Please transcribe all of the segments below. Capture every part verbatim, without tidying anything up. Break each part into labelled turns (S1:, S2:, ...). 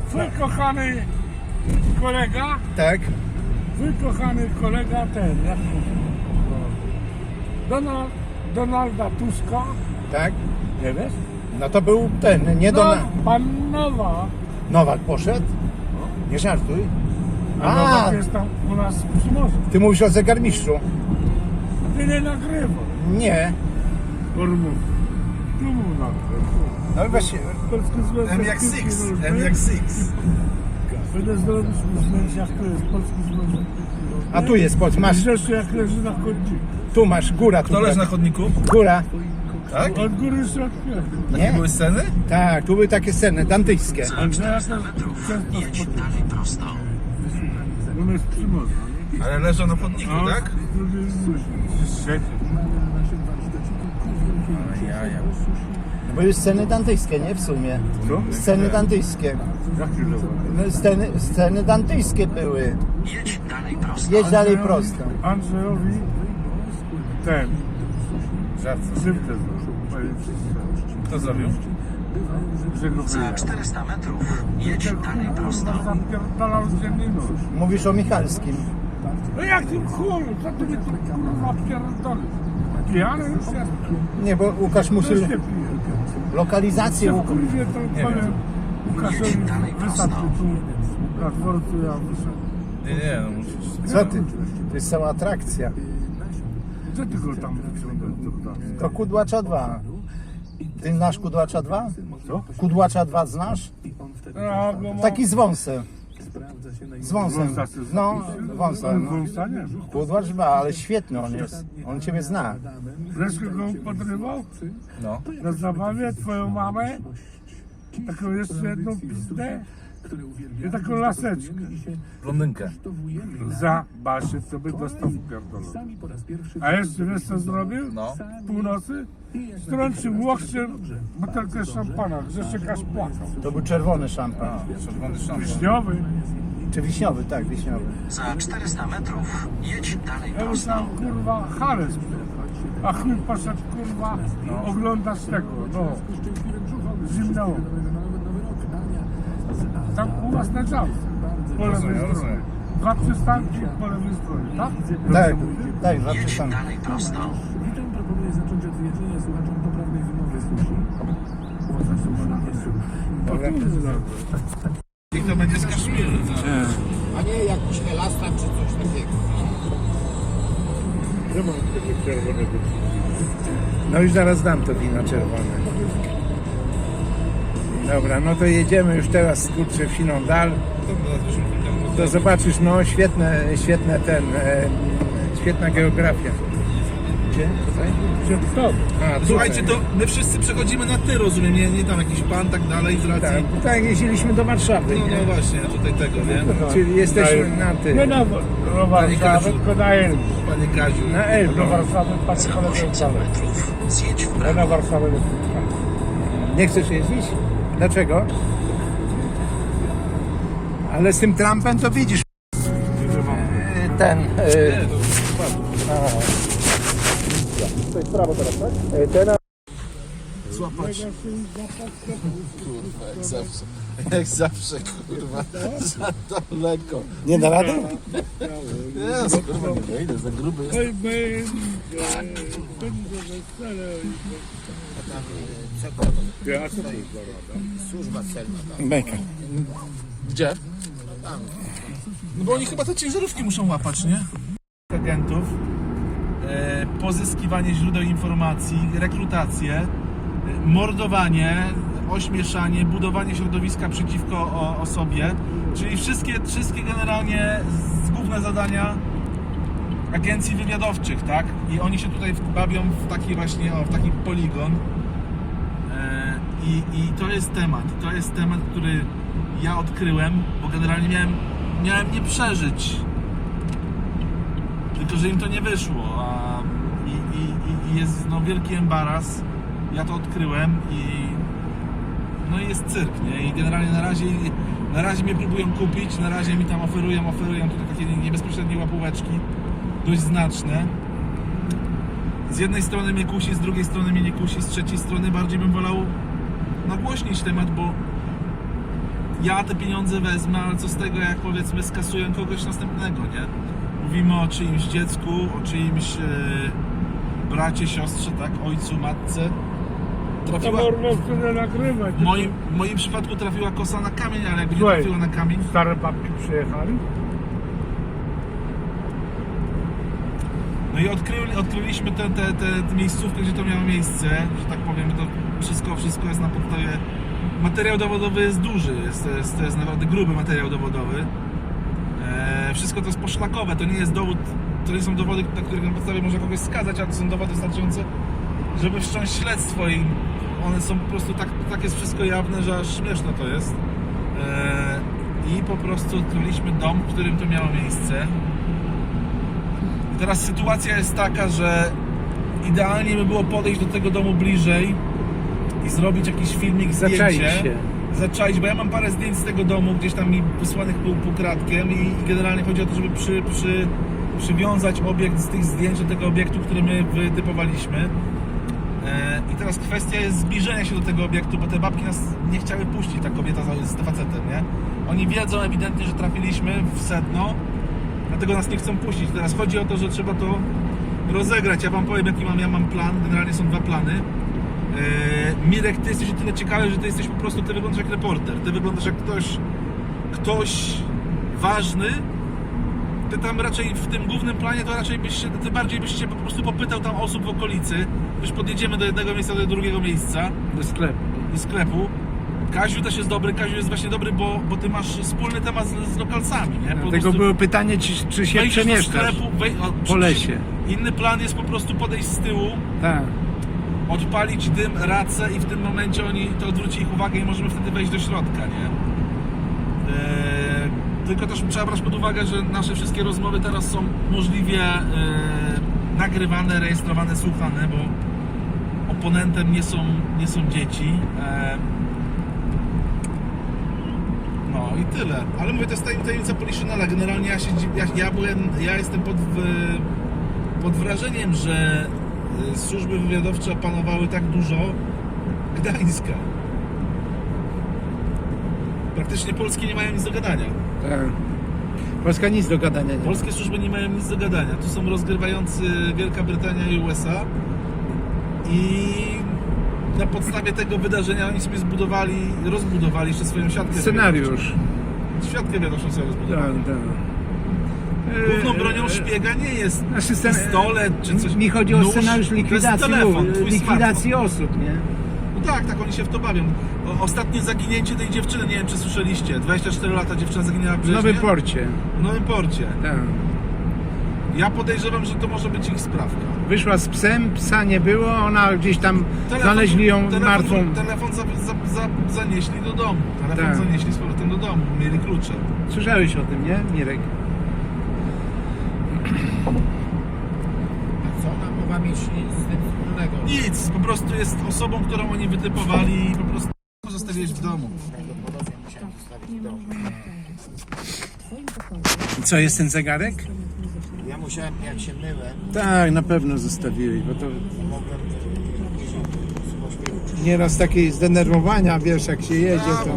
S1: Twój kochany kolega,
S2: Tak?
S1: twój kochany kolega ten, jak mówię, Donald, Donalda Tuska,
S2: Tak?
S1: nie wiesz?
S2: No to był ten, nie do...
S1: No, pan Nowa,
S2: Nowak poszedł? Nie żartuj.
S1: a
S2: A,
S1: Nowak jest tam u nas przy morzu.
S2: ty mówisz o zegarmistrzu?
S1: Ty nie nagrywał,
S2: Nie.
S1: Ormów. Tu mu nagrywał.
S2: No właśnie,
S1: Polski Związek
S3: M jak
S1: Piłki
S3: Six,
S1: Nożnej.
S3: M jak Six.
S1: Będę zrobić mu zdjęcia, jak to jest Polski Związek Piłki Nożnej.
S2: a tu jest, patrz, masz,
S1: Rzeczy jak leży na chodniku.
S2: tu masz, góra. Tu
S3: Kto leży na chodniku?
S2: Góra.
S3: Tak?
S1: Od góry się otwiera.
S3: Takie
S2: Nie?
S3: były sceny?
S2: Tak, tu były takie sceny dantyjskie.
S1: Andrzeja też często spotykam. On jest przy morzu.
S3: Ale leżą na chodniku,
S1: A
S3: tak?
S1: z drugiej jest siedzi.
S2: No były sceny dantyjskie, nie? W sumie.
S1: Co?
S2: Sceny dantyjskie.
S1: Jaki lewa?
S2: No, sceny, sceny dantyjskie były.
S4: Jedź dalej prosto.
S2: Jedź dalej prosto.
S1: Andrzejowi ten
S3: Żart.
S1: krzywdę zrobił.
S3: Kto zrobił?
S1: Że go
S4: Za
S1: wyjechał.
S4: czterysta metrów jedź dalej prosto.
S1: Zapierdalał dziennie nóż.
S2: Mówisz o Michalskim.
S1: No jak tym chuju, co ty mnie tu kurwa pierdolisz? Pijany już jest?
S2: Nie, bo Łukasz musi
S1: Też nie pije.
S2: lokalizację.
S1: Ja
S2: Łuk-
S1: kurwie to powiem Łukaszowi wystarczy tu na dworcu, ja wyszedłem.
S3: Nie, nie, no musisz.
S2: Co ty? To jest cała atrakcja.
S1: Co ty go tam wyciągasz do pracy?
S2: To Kudłacza dwa. Ty znasz Kudłacza dwa?
S1: Co?
S2: Kudłacza dwa znasz?
S1: Ja go mam...
S2: Taki z wąsem. Z wąsem.
S1: Wąsa się
S2: No, wąsa.
S1: On
S2: No.
S1: wąsa nie?
S2: Kudłacz dwa, ale świetny on jest. On ciebie zna.
S1: Leszko go podrywał
S3: No.
S1: na zabawie, twoją mamę, taką jeszcze jedną pizdę i taką laseczkę.
S3: Blondynkę.
S1: Za Basię, to by dostał pierdolę. A jeszcze wiesz co zrobił?
S3: No.
S1: W północy strącił łokciem butelkę szampana, Grzesiek aż płakał.
S2: To był czerwony szampan.
S3: A, czerwony szampan.
S1: Wiśniowy.
S2: Czy wiśniowy? Tak, wiśniowy.
S4: Za czterysta metrów jedź dalej
S1: Ja
S4: prosto.
S1: myślałem, kurwa, Hales przyjechać. A chuj poszedł, kurwa, oglądać tego, no, zimną. Tam u was na działce, po lewej
S3: Rozumiem,
S1: stronie.
S3: rozumiem.
S1: Dwa przystanki po lewej stronie, tak?
S2: Tak, tak, dwa
S4: Jedź
S2: przystanki.
S4: dalej prosto.
S5: Witam, proponuję zacząć od wyjaśnienia słuchaczom poprawnej wymowy sushi.
S3: I to będzie z Kaszmiru.
S2: A nie jakiś elastan czy coś takiego.
S1: Nie mam tego czerwonego.
S2: No już zaraz dam to wino czerwone. Dobra, no to jedziemy już teraz kurczę w siną dal. To zobaczysz, no świetne, świetne ten, e, świetna geografia. Gdzie? Tutaj?
S1: Przed tobą.
S2: A, tutaj.
S3: Słuchajcie, to my wszyscy przechodzimy na ty, rozumiem, nie, nie tam jakiś pan, tak dalej, z racji...
S2: Tak, tak jeździliśmy do Warszawy,
S3: No,
S2: nie?
S3: no właśnie, tutaj tego, nie?
S2: Czyli jesteśmy na ty.
S1: Nie na do Warszawy, tylko na Elbląg.
S3: Panie Kaziu.
S2: Na
S1: Do
S2: Elbląg.
S1: Warszawy patrzę
S4: Za
S1: koledzy
S4: osiemset
S1: wcale.
S4: metrów zjedź w
S1: Ja
S4: prawo.
S1: na Warszawę nie puszczam.
S2: Nie chcesz jeździć? Dlaczego? Ale z tym Trumpem to widzisz. e, Ten. e,
S3: Nie, to spadł.
S2: To jest prawo teraz, tak? E, Teraz.
S3: Złapać. Kurwa, jak zawsze. Jak zawsze, kurwa. Za daleko.
S2: Nie da rady?
S3: Jest, kurwa, nie wejdę, za gruby jest.
S1: Oj, będzie, będzie wesele. Ja co to jest za rada?
S2: Beka.
S3: Gdzie? No bo oni chyba te ciężarówki muszą łapać, nie? Agentów, e, pozyskiwanie źródeł informacji, rekrutację, e, mordowanie, ośmieszanie, budowanie środowiska przeciwko o, osobie, czyli wszystkie, wszystkie generalnie z- główne zadania agencji wywiadowczych, tak? I oni się tutaj bawią w taki właśnie, o, w taki poligon. E, I, I to jest temat, to jest temat, który ja odkryłem, bo generalnie miałem, miałem nie przeżyć, tylko że im to nie wyszło, a, i, i, i jest no, wielki embaras, ja to odkryłem i no i jest cyrk, nie? I generalnie na razie, na razie mnie próbują kupić, na razie mi tam oferują, oferują tutaj takie niebezpośrednie łapóweczki, dość znaczne. Z jednej strony mnie kusi, z drugiej strony mnie nie kusi, z trzeciej strony bardziej bym wolał nagłośnić temat, bo ja te pieniądze wezmę, ale co z tego, jak powiedzmy skasuję kogoś następnego, nie? Mówimy o czyimś dziecku, o czyimś e, bracie, siostrze, tak? Ojcu, matce.
S1: To
S3: Trafiła,
S1: można tyle nagrywać.
S3: w moim, w moim przypadku trafiła kosa na kamień, ale jakby nie
S1: Słuchaj.
S3: trafiła na kamień,
S1: Stare babki przyjechali.
S3: no i odkryli, odkryliśmy tę te, te, te miejscówkę, gdzie to miało miejsce, że tak powiem, to wszystko, wszystko jest na podstawie, materiał dowodowy jest duży, jest, to, jest, to jest naprawdę gruby materiał dowodowy. E, wszystko to jest poszlakowe, to nie jest dowód, to nie są dowody, na których na podstawie można kogoś skazać, ale to są dowody wystarczające, żeby wszcząć śledztwo i one są po prostu tak, tak jest wszystko jawne, że aż śmieszne to jest. E, I po prostu odkryliśmy dom, w którym to miało miejsce. I teraz sytuacja jest taka, że idealnie by było podejść do tego domu bliżej i zrobić jakiś filmik, zdjęcie.
S2: Zaczaić się.
S3: Zaczaić, bo ja mam parę zdjęć z tego domu, gdzieś tam mi wysłanych pół, półkratkiem i generalnie chodzi o to, żeby przy, przy, przywiązać obiekt z tych zdjęć do tego obiektu, który my wytypowaliśmy. E, I teraz kwestia jest zbliżenia się do tego obiektu, bo te babki nas nie chciały puścić, ta kobieta z, z facetem, nie? Oni wiedzą ewidentnie, że trafiliśmy w sedno, dlatego nas nie chcą puścić. Teraz chodzi o to, że trzeba to rozegrać. Ja wam powiem, jaki mam, ja mam plan. Generalnie są dwa plany. Eee, Mirek, ty jesteś o tyle ciekawy, że ty jesteś po prostu, ty wyglądasz jak reporter. Ty wyglądasz jak ktoś, ktoś ważny. Ty tam raczej w tym głównym planie to raczej byś się, ty bardziej byś się po prostu popytał tam osób w okolicy. Już podjedziemy do jednego miejsca, do drugiego miejsca,
S2: Do sklepu.
S3: do sklepu. Kaziu też jest dobry, Kaziu jest właśnie dobry, bo, bo ty masz wspólny temat z, z lokalsami, nie? Po
S2: Dlatego
S3: prostu
S2: było pytanie, czy, czy się
S3: wejdziesz do
S2: przemieszczasz
S3: sklepu, wej, o,
S2: po lesie.
S3: Inny plan jest po prostu podejść z tyłu,
S2: Tak.
S3: odpalić dym, racę i w tym momencie oni to odwróci ich uwagę i możemy wtedy wejść do środka, nie? Eee, tylko też trzeba brać pod uwagę, że nasze wszystkie rozmowy teraz są możliwie e, nagrywane, rejestrowane, słuchane, bo oponentem nie są, nie są dzieci. E, no i tyle. Ale mówię, to jest tajemnica Poliszynela. Generalnie ja, się, ja, ja, byłem, ja jestem pod, w- pod wrażeniem, że y, służby wywiadowcze opanowały tak dużo Gdańska. Praktycznie polskie nie mają nic do gadania.
S2: Tak. Polska nic do gadania nie ma.
S3: Polskie służby nie mają nic do gadania. Tu są rozgrywający Wielka Brytania i U S A i na podstawie tego wydarzenia oni sobie zbudowali, rozbudowali jeszcze swoją siatkę
S2: Scenariusz.
S3: wywiadowczą. Świadkę wiadomo sobie
S2: Tak,
S3: rozbudowali.
S2: tak.
S3: Główną
S2: E,
S3: bronią
S2: e,
S3: szpiega nie jest
S2: Znaczy, scen-
S3: pistolet czy coś.
S2: Mi chodzi o
S3: Nóż,
S2: scenariusz
S3: to jest
S2: likwidacji,
S3: telefon,
S2: lu-
S3: twój
S2: likwidacji osób, nie?
S3: No tak, tak, oni się w to bawią. O, ostatnie zaginięcie tej dziewczyny, nie wiem czy słyszeliście, dwadzieścia cztery lata dziewczyna zaginęła w
S2: W
S3: Brzeźnie.
S2: Nowym Porcie.
S3: W Nowym Porcie.
S2: Tak.
S3: Ja podejrzewam, że to może być ich sprawka.
S2: Wyszła z psem, psa nie było, ona gdzieś tam
S3: Telefon-
S2: znaleźli ją
S3: telefon,
S2: martwą.
S3: Telefon za, za, za, zanieśli do domu. Telefon
S2: Tak.
S3: zanieśli z powrotem do domu, mieli klucze.
S2: Słyszałeś o tym, nie, Mirek?
S6: Co ona mogła mieć z tym wspólnego?
S3: Nic, po prostu jest osobą, którą oni wytypowali i po prostu zostawiłeś w domu.
S2: I co, jest ten zegarek?
S6: Ja musiałem, jak się myłem,
S2: Tak, na pewno zostawiłeś, bo to
S6: mogłem
S2: nieraz takie zdenerwowania, wiesz, jak się jedzie, to...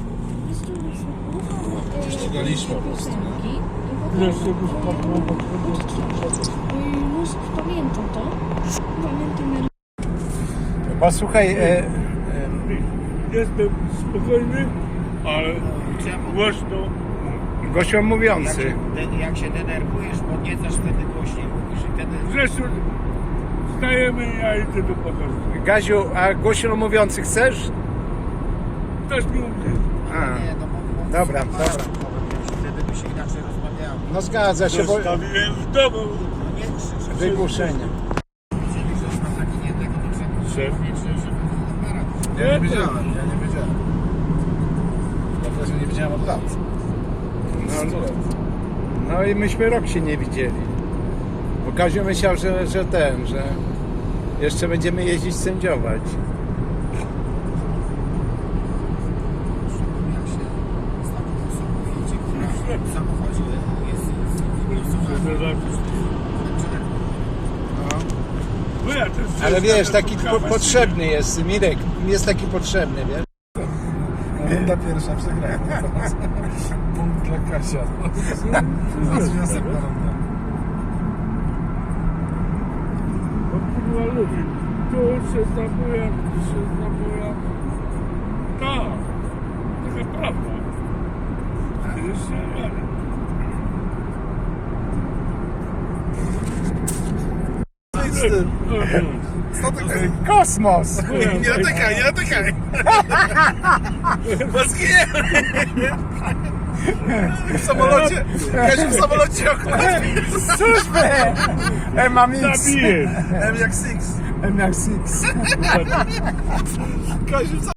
S3: Ścigaliśmy po prostu.
S1: Jeszcze byś padło, bo
S7: Już pamiętam to. Pamiętam.
S2: Posłuchaj, e, e,
S1: jestem spokojny, ale głośno.
S2: gościom
S6: jak
S2: mówiący.
S6: się, de, jak się denerwujesz, podniecasz wtedy głośniej mówisz i wtedy...
S1: Zresztą stajemy i ja idę do pokoju.
S2: Gaziu, a głośno mówiący chcesz?
S1: Ktoś mi umie.
S2: A,
S6: Nie, no bo, bo
S2: Dobra,
S6: aparat
S2: dobra.
S6: mogłem wziąć i wtedy by się inaczej rozmawiało.
S2: no zgadza się, bo
S1: Zostawiłem w domu.
S6: Nie krzycz,
S2: wygłuszenie.
S6: jeżeli ktoś ma zaginiętego, to trzeba
S1: Szef.
S6: mieć, żeby aparat.
S3: Ja nie wiedziałem, ja nie wiedziałem. Ja w razie nie wiedziałem od lat.
S2: No, no i myśmy rok się nie widzieli. Bo Kaziu myślał, że, że ten, że jeszcze będziemy jeździć sędziować.
S6: Jak się z taką osobą jedzie, która w samochodzie jest zgłosowana.
S1: Bo ja też
S2: Ale wiesz, taki po,
S1: spotkałem się.
S2: potrzebny jest, Mirek, jest taki potrzebny, wiesz?
S3: Runda pierwsza przegrana. Punkt dla Kasia. Zaraz następna runda.
S1: O kurwa ludzi, tu się zabuja, tu się zabuja. Tak, taka prawda. Jeszcze nie.
S3: Z tym. Statek.
S2: Kosmos!
S3: Nie dotykaj, nie dotykaj! Bo zginiemy! W samolocie! Kasia w samolocie okładnie!
S2: Służby! M jak X.
S1: Zabijesz.
S3: M jak Six.
S2: M jak Six.
S3: Kaziu w